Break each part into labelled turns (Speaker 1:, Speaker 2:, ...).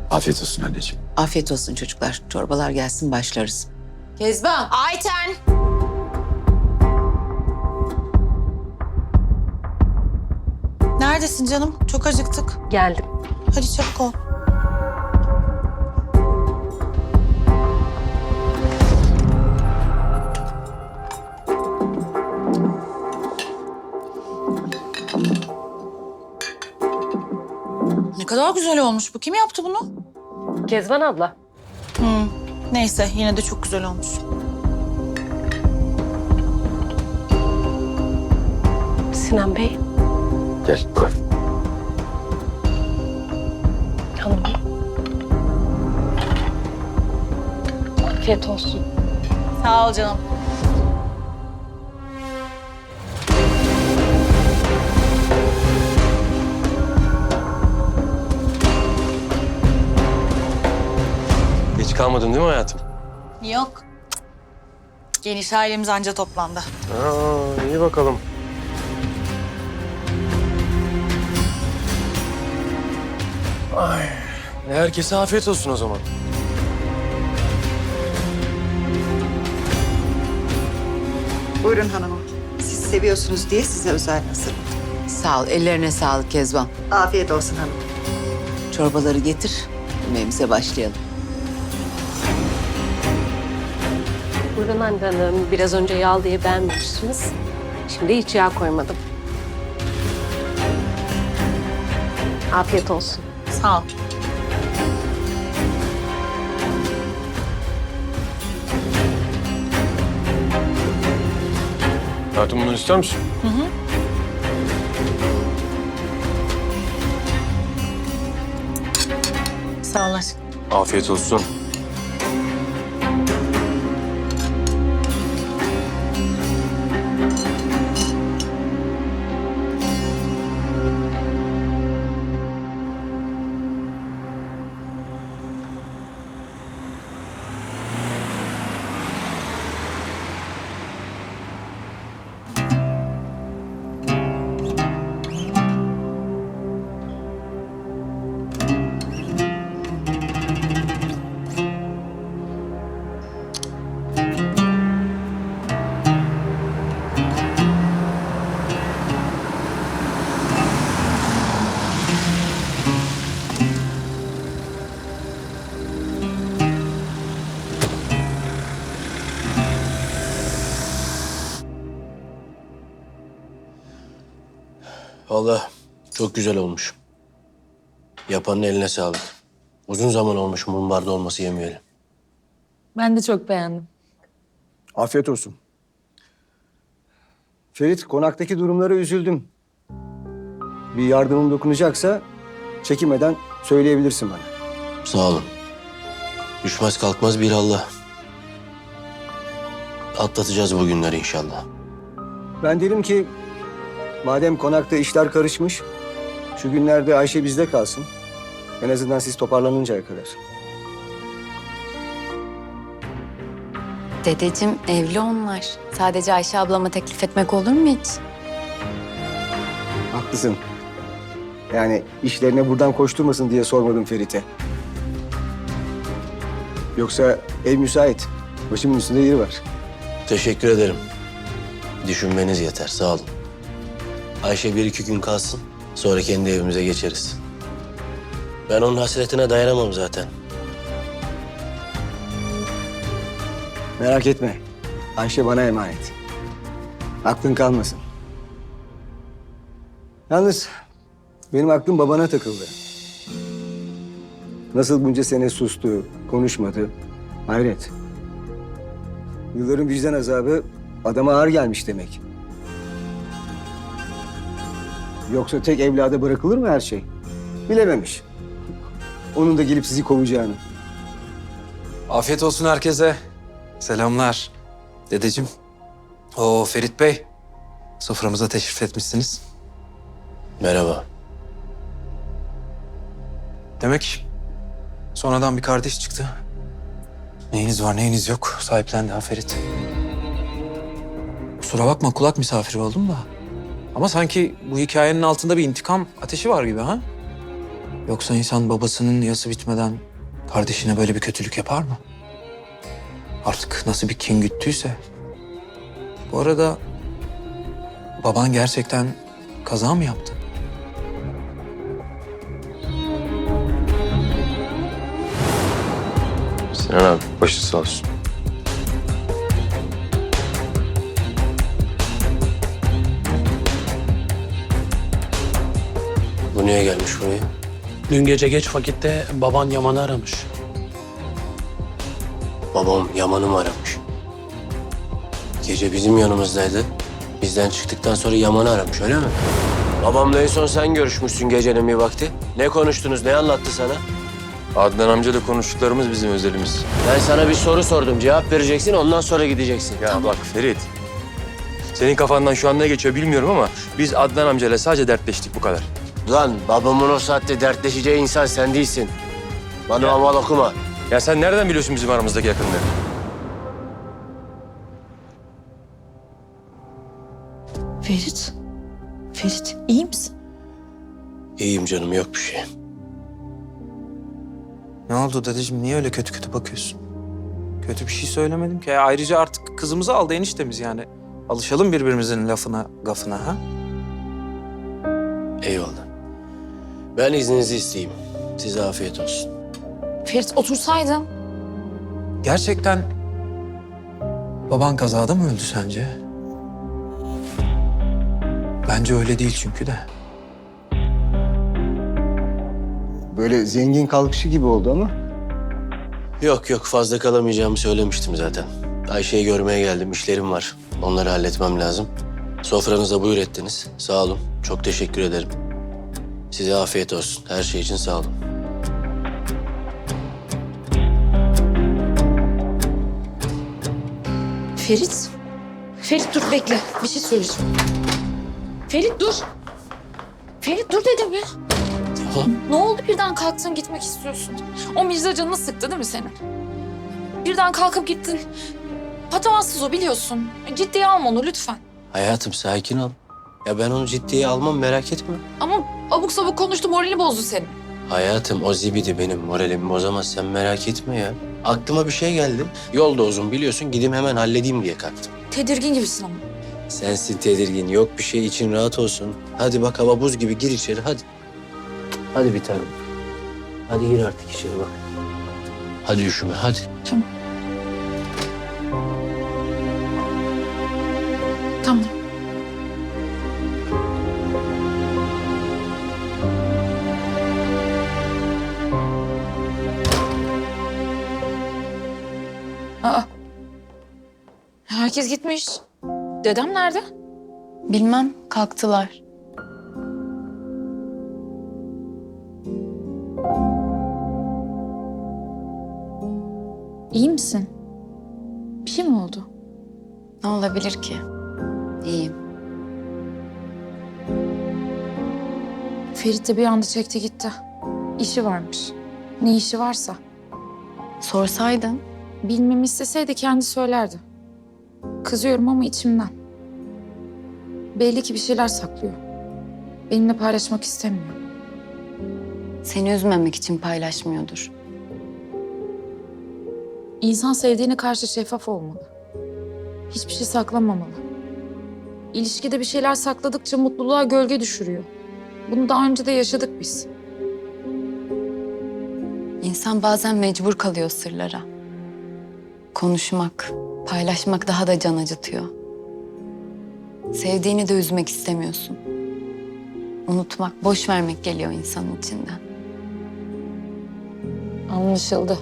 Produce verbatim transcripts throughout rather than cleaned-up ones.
Speaker 1: Afiyet olsun anneciğim.
Speaker 2: Afiyet olsun çocuklar. Çorbalar gelsin başlarız. Kezban.
Speaker 3: Ayten.
Speaker 4: Neredesin canım? Çok acıktık.
Speaker 3: Geldim.
Speaker 4: Hadi çabuk ol. Ne kadar güzel olmuş bu. Kim yaptı bunu?
Speaker 3: Kezban abla.
Speaker 4: Hmm. Neyse yine de çok güzel olmuş.
Speaker 3: Sinan Bey.
Speaker 1: Gel koy.
Speaker 3: Hanım. Afiyet olsun.
Speaker 4: Sağ ol canım.
Speaker 5: Geç kalmadın değil mi hayatım?
Speaker 4: Yok. Geniş ailemiz anca toplandı.
Speaker 5: Aa, iyi bakalım. Ay, herkese afiyet olsun o zaman.
Speaker 6: Buyurun hanımım. Siz seviyorsunuz diye size özel hazırladım.
Speaker 2: Sağ ol. Ellerine sağlık Kezban.
Speaker 6: Afiyet olsun hanım.
Speaker 2: Çorbaları getir. Yemeğimize başlayalım.
Speaker 3: Buyurun Hande Hanım. Biraz önce yağ diye beğenmemiştiniz. Şimdi hiç yağ koymadım. Afiyet olsun.
Speaker 4: Sağ ol.
Speaker 5: Hayatım bunu ister misin?
Speaker 4: Sağ ol aşkım.
Speaker 5: Afiyet olsun.
Speaker 7: Vallahi çok güzel olmuş. Yapanın eline sağlık. Uzun zaman olmuş mumbarda olması yemeyelim.
Speaker 8: Ben de çok beğendim.
Speaker 9: Afiyet olsun. Ferit, konaktaki durumlara üzüldüm. Bir yardımım dokunacaksa çekinmeden söyleyebilirsin bana.
Speaker 7: Sağ olun. Düşmez kalkmaz bir Allah. Atlatacağız bu günleri inşallah.
Speaker 9: Ben derim ki madem konakta işler karışmış, şu günlerde Ayşe bizde kalsın. En azından siz toparlanıncaya kadar.
Speaker 10: Dedeciğim evli onlar. Sadece Ayşe ablama teklif etmek olur mu hiç?
Speaker 9: Haklısın. Yani işlerine buradan koşturmasın diye sormadım Ferit'e. Yoksa ev müsait. Başımın üstünde yeri var.
Speaker 7: Teşekkür ederim. Düşünmeniz yeter, sağ olun. Ayşe bir iki gün kalsın, sonra kendi evimize geçeriz. Ben onun hasretine dayanamam zaten.
Speaker 9: Merak etme. Ayşe bana emanet. Aklın kalmasın. Yalnız benim aklım babana takıldı. Nasıl bunca sene sustu, konuşmadı. Hayret. Yılların vicdan azabı adama ağır gelmiş demek. Yoksa tek evlada bırakılır mı her şey? Bilememiş. Onun da gelip sizi kovacağını.
Speaker 1: Afiyet olsun herkese. Selamlar. Dedeciğim. Oo Ferit Bey. Soframıza teşrif etmişsiniz.
Speaker 7: Merhaba.
Speaker 1: Demek sonradan bir kardeş çıktı. Neyiniz var neyiniz yok sahiplendi ha Ferit. Kusura bakma kulak misafiri oldum da. Ama sanki bu hikayenin altında bir intikam ateşi var gibi ha? Yoksa insan babasının yası bitmeden kardeşine böyle bir kötülük yapar mı? Artık nasıl bir kin güttüyse. Bu arada baban gerçekten kaza mı yaptı?
Speaker 5: Sinan abi başı sağ olsun.
Speaker 7: Bu niye gelmiş buraya?
Speaker 11: Dün gece geç vakitte baban Yaman'ı aramış.
Speaker 7: Babam Yaman'ı mı aramış? Gece bizim yanımızdaydı. Bizden çıktıktan sonra Yaman'ı aramış öyle mi? Babamla en son sen görüşmüşsün gecenin bir vakti. Ne konuştunuz, ne anlattı sana?
Speaker 5: Adnan amcayla konuştuklarımız bizim özelimiz.
Speaker 7: Ben sana bir soru sordum, cevap vereceksin, ondan sonra gideceksin.
Speaker 5: Ya bak Ferit. Senin kafandan şu an ne geçiyor bilmiyorum ama biz Adnan amcayla sadece dertleştik bu kadar.
Speaker 7: Lan babamın o saatte dertleşeceği insan sen değilsin. Bana amal okuma.
Speaker 5: Ya sen nereden biliyorsun bizim aramızdaki yakınlığı?
Speaker 4: Ferit. Ferit iyi misin?
Speaker 7: İyiyim canım, yok bir şey.
Speaker 1: Ne oldu dedeciğim? Niye öyle kötü kötü bakıyorsun? Kötü bir şey söylemedim ki. Ya ayrıca artık kızımızı aldı eniştemiz yani. Alışalım birbirimizin lafına, gafına ha?
Speaker 7: Eyvallah. Ben izninizi isteyeyim. Size afiyet olsun.
Speaker 4: Ferit otursaydın.
Speaker 1: Gerçekten baban kazada mı öldü sence? Bence öyle değil çünkü de.
Speaker 9: Böyle zengin kalkışı gibi oldu ama.
Speaker 7: Yok yok, fazla kalamayacağımı söylemiştim zaten. Ayşe'yi görmeye geldim, işlerim var. Onları halletmem lazım. Sofranıza buyur ettiniz. Sağ olun, çok teşekkür ederim. Size afiyet olsun. Her şey için sağ olun.
Speaker 4: Ferit. Ferit dur bekle. Bir şey söyleyeceğim. Ferit dur. Ferit dur dedim ya.
Speaker 7: Tamam.
Speaker 4: Ne oldu birden kalktın gitmek istiyorsun? O Mirza canını sıktı değil mi senin? Birden kalkıp gittin. Patavatsız o biliyorsun. Ciddiye alma onu lütfen.
Speaker 7: Hayatım sakin ol. Ya ben onu ciddiye almam, merak etme.
Speaker 4: Ama abuk sabuk konuştu morali bozdu senin.
Speaker 7: Hayatım o zibidi benim moralimi bozamaz, sen merak etme ya. Aklıma bir şey geldi. Yol da uzun biliyorsun, gideyim hemen halledeyim diye kalktım.
Speaker 4: Tedirgin gibisin ama.
Speaker 7: Sensin tedirgin, yok bir şey, için rahat olsun. Hadi bak hava buz gibi, gir içeri hadi. Hadi bir tanem. Hadi gir artık içeri bak. Hadi üşüme hadi.
Speaker 4: Tamam. Tamam. Aa. Herkes gitmiş. Dedem nerede?
Speaker 10: Bilmem, kalktılar.
Speaker 4: İyi misin? Bir şey mi oldu?
Speaker 10: Ne olabilir ki? İyiyim.
Speaker 4: Ferit de bir anda çekti gitti. İşi varmış. Ne işi varsa.
Speaker 10: Sorsaydın.
Speaker 4: Bilmemi isteseydi kendi söylerdi. Kızıyorum ama içimden. Belli ki bir şeyler saklıyor. Benimle paylaşmak istemiyor.
Speaker 10: Seni üzmemek için paylaşmıyordur.
Speaker 4: İnsan sevdiğine karşı şeffaf olmalı. Hiçbir şey saklamamalı. İlişkide bir şeyler sakladıkça mutluluğa gölge düşürüyor. Bunu daha önce de yaşadık biz.
Speaker 10: İnsan bazen mecbur kalıyor sırlara. Konuşmak, paylaşmak daha da can acıtıyor. Sevdiğini de üzmek istemiyorsun. Unutmak, boş vermek geliyor insanın içinden.
Speaker 4: Anlaşıldı.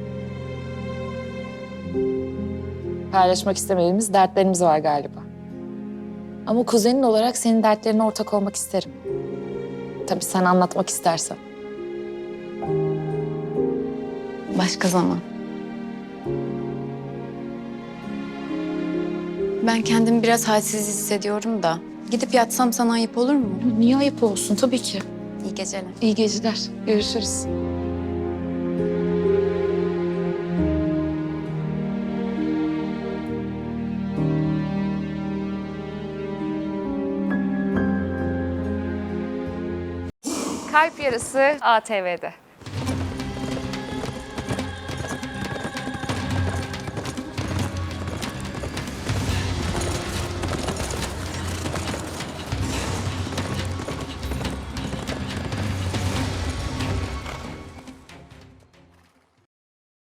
Speaker 4: Paylaşmak istemediğimiz dertlerimiz var galiba. Ama kuzenin olarak senin dertlerine ortak olmak isterim. Tabii sen anlatmak istersen.
Speaker 10: Başka zaman. Ben kendimi biraz halsiz hissediyorum da. Gidip yatsam sana ayıp olur mu?
Speaker 4: Niye ayıp olsun? Tabii ki.
Speaker 10: İyi geceler.
Speaker 4: İyi geceler. Görüşürüz.
Speaker 12: Kalp Yarısı A T V'de.